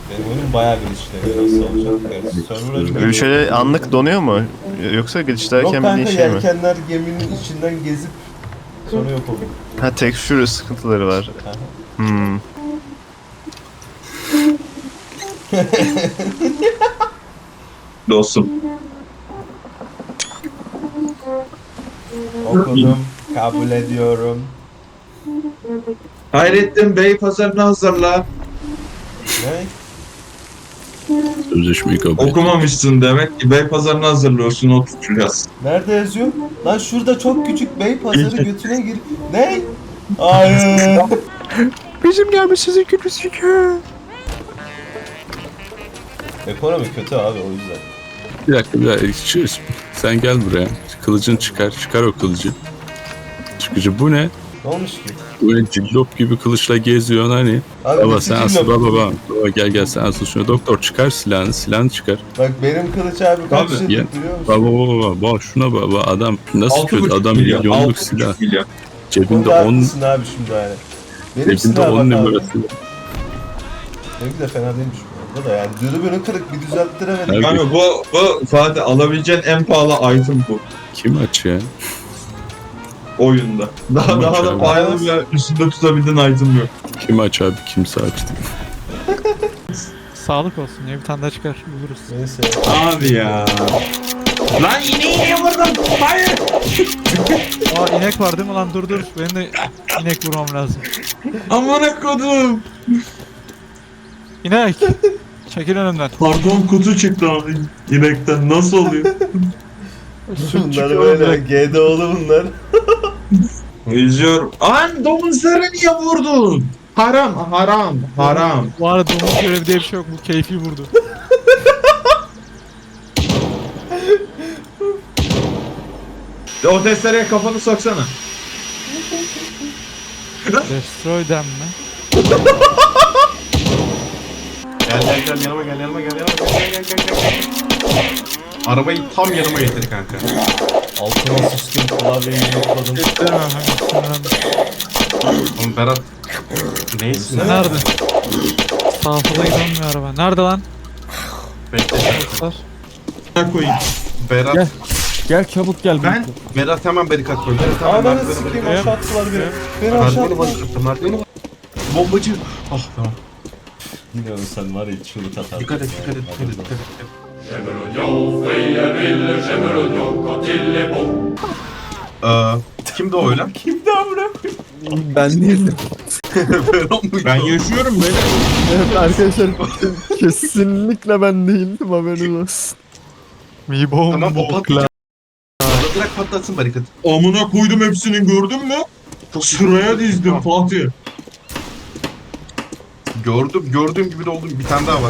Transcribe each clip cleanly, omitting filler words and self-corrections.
Benim oyunum bayağı glitchleniyor. Nasıl olacak? Evet, server açık. Böyle şöyle anlık donuyor mu? Yoksa Yok glitchlerken kanka, bildiğin şey mi? yelkenler geminin içinden gezip sonra yok oluyor. Ha, texture sıkıntıları var. Aha. Hmm. Dostum. Okudum, kabul ediyorum. Hayrettin Bey pazarını hazırla. Ne? Sözleşmeyi kabul et. Okumamışsın demek ki Bey pazarını hazırlıyorsun o tutacağız. Nerede yazıyor? Lan şurada çok küçük bey pazarı götüne gir. Ne? Hayır. Bizim gelmiş sizin kötüsü ki. Ekonomi kötü abi, o yüzden. Bir dakika. Sen gel buraya. Kılıcını çıkar. Çıkar o kılıcı. Çıkıcı bu ne? Ne olmuş ki? Böyle cillop gibi kılıçla geziyorsun hani. Abi Baba nasıl sen asıl cillop? baba. Baba gel sen asıl şunu. Doktor çıkar silahını çıkar. Bak benim kılıç abi kaç Abi, yıllık ya. biliyor musun? Baba şuna baba adam nasıl kötü 6,5 adam milyon, milyonluk 6,5 silah. milyon. Cebinde Konuda 10 haklısın abi şimdi yani. Benim cebinde silah 10 bak abi. numarası. Benimki de fena değilmiş bu arada da yani. Dürbünü kırık, bir düzelttiremedim. Abi. Kanka bu Fatih alabileceğin en pahalı item bu Kim aç ya? oyunda. Daha Tamam, da canım. pahalı bir üstünde tutabildiğin item yok. Kim aç abi kimse açtı. Sağlık olsun ya, bir tane daha çıkar buluruz. Neyse. Abi ya. Lan ineği vurdum. Hayır. Aa, inek var değil mi lan, dur benim de inek vurmam lazım. Amına kodum. İnek! Çekil önümden. Pardon kutu çıktı abi inekten. Nasıl oluyor? Bunlar böyle GDO'lu bunlar. İzliyorum. An domuzları niye vurdun? Haram. Bu arada domuz görevi diye bir şey yok, bu keyfi vurdu. O testereye kafanı soksana. Destroy them mi? Gel yanıma gel. Arabayı tam yanıma getir kanka. Altıma sıçtım, klavyeyi yokladım. Getiremem hangisini. Oğlum Berat. Neysin lan? Nerede? Sağa sola gidemiyor araba. Nerede lan? Bekle. Dostlar. Ne koyayım? Berat. Gel. Gel çabuk gel. Berat hemen barikat koy. Berat hemen Ananı merdiveni sikeyim, barikat. aşağı attılar beni. Beni aşağı Merdiveni attılar. barikattı. Merdiveni barikattı. Bombacı. Ah tamam. Bilmiyorum, sen var ya çığlık atarsın. Dikkat et. Kimdi o öyle? Kimdi amına? Ben değildim. Berat mıydı? Ben yaşıyorum böyle. Evet arkadaşlar kesinlikle ben değildim, haberiniz olsun. Mi bomb. Tamam o patlayacak. Bırak patlatsın barikatı. Amına koydum hepsini gördün mü? Sıraya dizdim Fatih. Gördüğüm gibi de oldum. Bir tane daha var.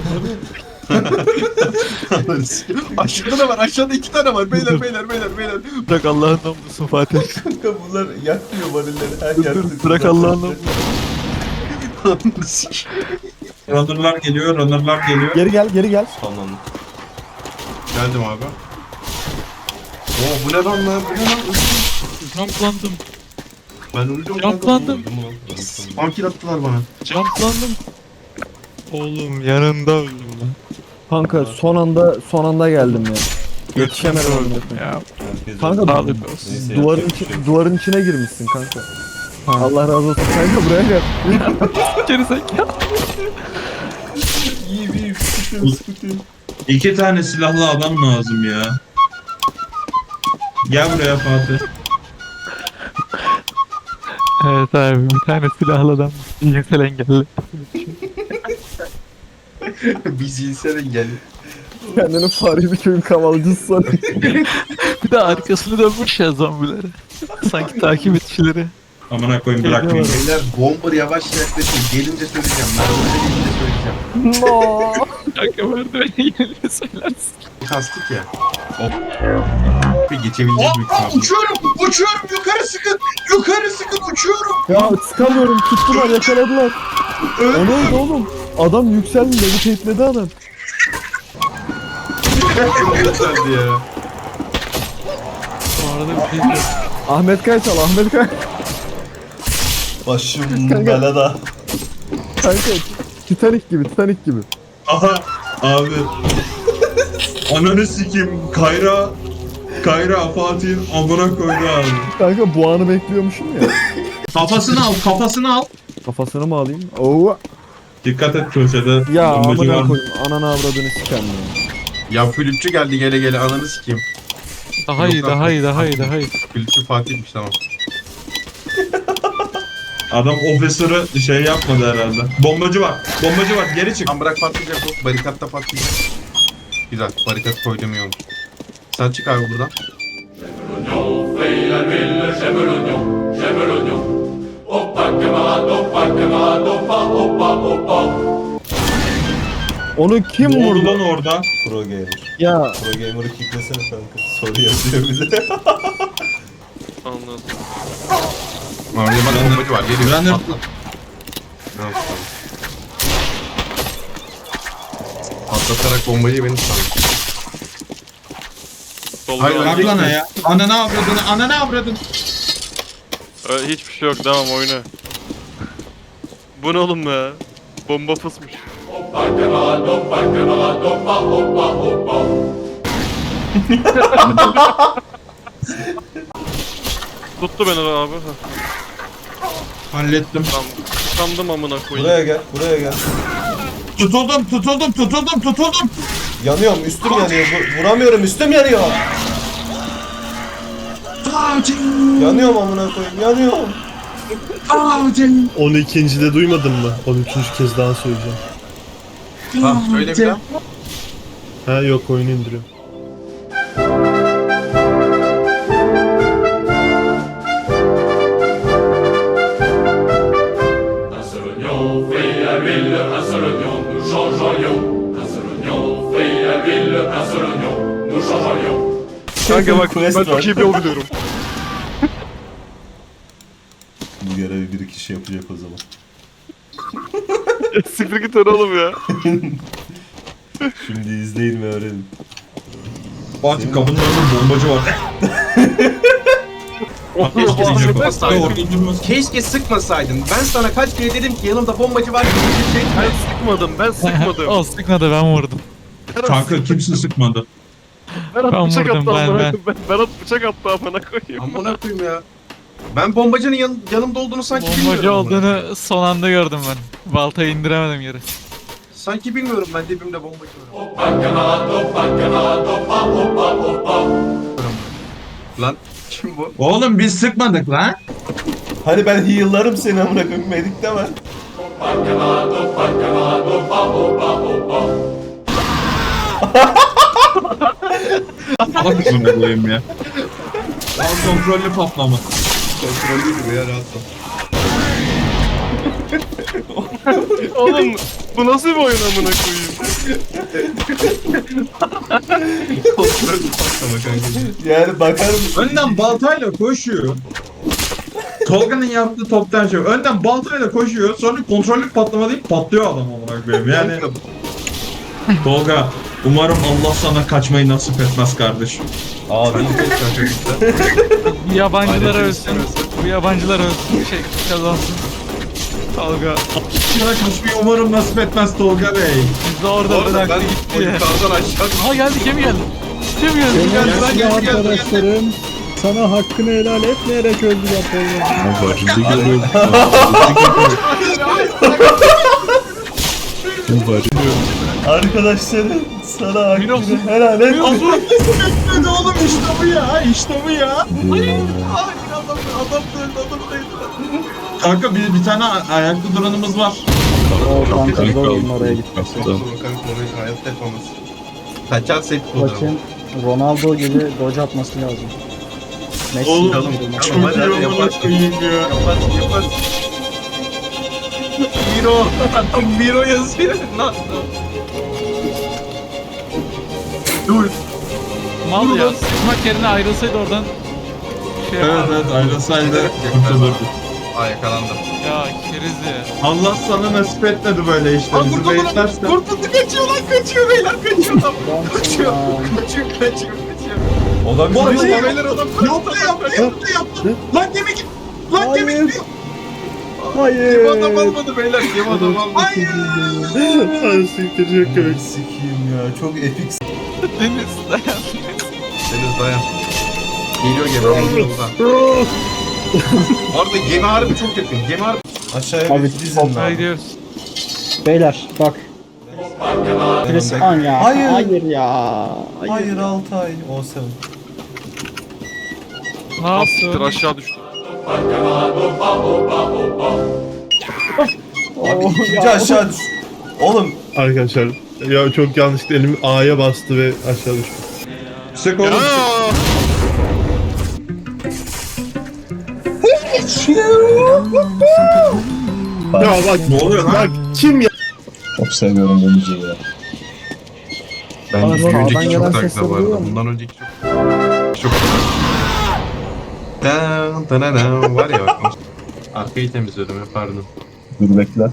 Aşağıda da var. Aşağıda 2 tane var. Beyler. Bırak Allah'ın namlusun Fatih. Kanka bunlar yakmıyor varilleri. Her yerde. Bırak Allah'ın namlusun. Runner'lar geliyor. Geri gel. Sonlandı. Geldim abi. Oo bu ne lan? Jumplandım. Ben öldüm. Jumplandım. Pankil attılar bana. Jumplandım. Oğlum yanında öldüm lan. Kanka son anda geldim ya. Yetişemedim onu. Ya Kanka sağlık olsun. Neyse, duvarın içine girmişsin kanka. Allah razı olsun. Kanka buraya gel. Geri zekalı. İyi sıkıntı. 2 tane silahlı adam lazım ya. Gel buraya Fatih. Evet abi, bir tane silahlı adam. Cinsel engelli. Bir zihinsel engelli. Kendini Fahri köyün kavalcısı sanıyor. Bir de arkasını dönmüş ya zombilere. Sanki takip etişleri. Amına koyayım bırakmayın. Beyler bomber yavaş yaklaşın. Gelince söyleyeceğim. Merdivene gelince söyleyeceğim. No. Kanka merdivene gelince söylersin. Kastık ya. Hop. Bir geçebileceğiz büyük ihtimalle. Uçuyorum yukarı sıkın uçuyorum. Ya sıkamıyorum, tuttular, yakaladılar. O neydi oğlum? Adam yükseldi, levitate'ledi adam. Çok güzeldi ya. Bu arada bir şey yok. Ahmet Kaya çal, Ahmet Kaya. Başım belada. Kanka Titanic gibi, Titanic gibi. Aha abi. Ananı sikeyim. Kayra Fatih'in amına koydu abi. Kanka bu anı bekliyormuşum ya. Kafasını al. Kafasını mı alayım? Oo. Dikkat et köşede. Ya bombacı var. amına koyayım. Ananı avradını sikem ya. Ya flütçü geldi gele ananı sikeyim. Daha iyi, daha iyi, daha iyi, daha iyi. Flütçü Fatih'miş tamam. Adam ofisörü şey yapmadı herhalde. Bombacı var geri çık. Tam bırak patlayacak o. Barikatta patlayacak. Güzel. Barikat koydum iyi olmuş. Sen çık abi buradan. Onu kim Ne oldu vurdu? lan orada? Pro gamer. Ya Pro gamer'ı kicklesene kanka. Soru yazıyor bir de. Anladım. Orada bak bombacı var. Geliyor. Ben de- Patlat. Tamam, tamam. Patlatarak bombayı beni sandım. Hayır, Bak lan ya. Ananı avradın. Hiçbir şey yok, devam oyna. Bu ne oğlum be? Bomba fısmış. Tuttu beni abi. Hallettim. Tamam. Sandım amına koyayım. Buraya gel. Tutuldum. Yanıyorum, üstüm yanıyor. Vuramıyorum, üstüm yanıyor. Yanıyorum amına koyayım, yanıyorum. 12'de duymadın mı? 13. kez daha söyleyeceğim. Tamam söyle bir daha. Ha yok oyunu indiriyorum. Kanka bak Quest ben var. çok iyi bir yol biliyorum. Bu görevi bir kişi yapacak o zaman. Siktir git öyle oğlum ya. Şimdi izleyin ve öğrenin. Fatih kapının önünde bombacı var. Keşke diyecek o. Sıkmasaydın. Orada durmaz. Keşke sıkmasaydın. Ben sana kaç kere dedim ki yanımda bombacı var gibi bir şey. Ben sıkmadım. O sıkmadı, ben vurdum. Kanka kimse sıkmadı. Berat Ben bıçak vurdum, attı ben. amına koyayım. Berat bıçak attı amına koyayım. Amına koyayım ya. Ben bombacının yanımda olduğunu sanki Bombacı bilmiyorum. amına koyayım. olduğunu son anda gördüm ben. Baltayı indiremedim yere. Sanki bilmiyorum ben dibimde bombacı var. Lan kim bu? Oğlum biz sıkmadık lan. Hani ben heal'larım seni amına koyayım, medik deme. Allah kızını koyayım ya. Al kontrollü patlama. Kontrollüydü bu ya rahat ol. Oğlum bu nasıl bir oyun amına koyayım? Kontrollü patlama kanka. Yani bakar mısın? Önden baltayla koşuyor. Tolga'nın yaptığı toptan şey. Önden baltayla koşuyor. Sonra kontrollü patlama deyip patlıyor adam olarak benim. Yani Tolga umarım Allah sana kaçmayı nasip etmez kardeşim. Abi Bu yabancılar ölsün. Bu yabancılar ölsün. Şey kazansın. Tolga. Sana kaçmayı umarım nasip etmez Tolga Bey. Biz de orada bıraktı gitti ya. yukarıdan aşağı Aha geldi, gemi geldi. Gemi geldi. Sevgili arkadaşlarım sana hakkını helal etmeyerek öldüler Tolga. arkadaşlarım sana hakkını olsun. helal et. Hadi oğlum işte bu ya. İşte bu ya. Kanka bir tane ayakta duranımız var. O kanka zor olun oraya gitmesi. Kanka orayı hayatta yapamaz. Kaçar set fotoğrafı. Bakın Ronaldo gibi gol atması lazım. Messi Oğlum, gibi. Çok iyi amına koyayım ya. Yapar. Miro. Miro yazıyor. Lan. Dur. Mal ya. Sıkmak yerine ayrılsaydı oradan. Şey Evet yapardı. evet ayrılsaydı kurtulurdu. Aa yakalandım. Ya keriz ya. Allah sana nasip etmedi böyle işte. Bizi beyitlersen. Kurtuldu kaçıyor lan kaçıyor beyler kaçıyor lan. Kaçıyor. Adamsın ya. Kaçıyor. O da Bu bizim arada beyler adam yaptı. Lan gemi gitti. Lan gemi Hayır. gitti. Hayır. Kim adam almadı beyler? Kim adam almadı? Hayır. Ay siktir çok komik. Sikiyim ya. Çok epik. Deniz dayan. Deniz dayan. Geliyor gemi yolda. Orada gemi harbi çok yakın. Gemi harbi. Aşağıya Abi, bir dizin Hadi lan. gidiyoruz. Beyler bak. Presman ya. Hayır. Hayır ya. Hayır Altay. O7. Ne Siktir yaptın? aşağı düştü. Abi ikinci aşağı düş. Oğlum Arkadaşlar ya çok yanlışlıkla elim A'ya bastı ve aşağı düştü. Sık oğlum. Ya bak Ne oluyor lan? bak kim ya? Çok seviyorum bu müziği ya. Bence Pardon, bir önceki sağdan çok gelen daha sesleri güzel bu duyuyor arada. musun? Bundan önceki çok. Dan dan dan var ya bak. Arkayı temizliyordum ya pardon. Dur bekle.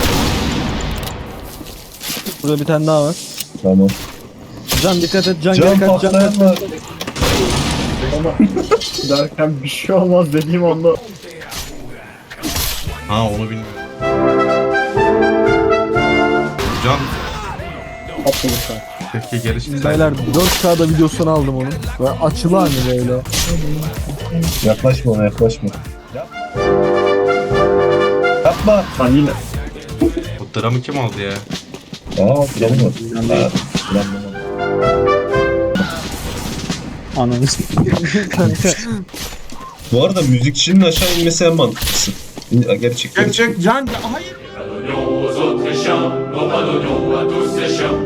Burada bir tane daha var. Tamam. Can dikkat et, can geri kaç, can kaç. Derken bir şey olmaz dediğim anda. Ha onu bilmiyorum. Can Atladı şu an. keşke geri çıksaydı. Beyler 4K'da videosunu aldım onun. Ve açılı hani böyle. Yaklaşma ona, yaklaşma. Yapma. Lan yine. Bu dramı kim aldı ya? Aa, canım var. Ananı kanka. Bu arada müzikçinin aşağı inmesi en mantıklısı. Gerçekten. Gerçek can. Hayır.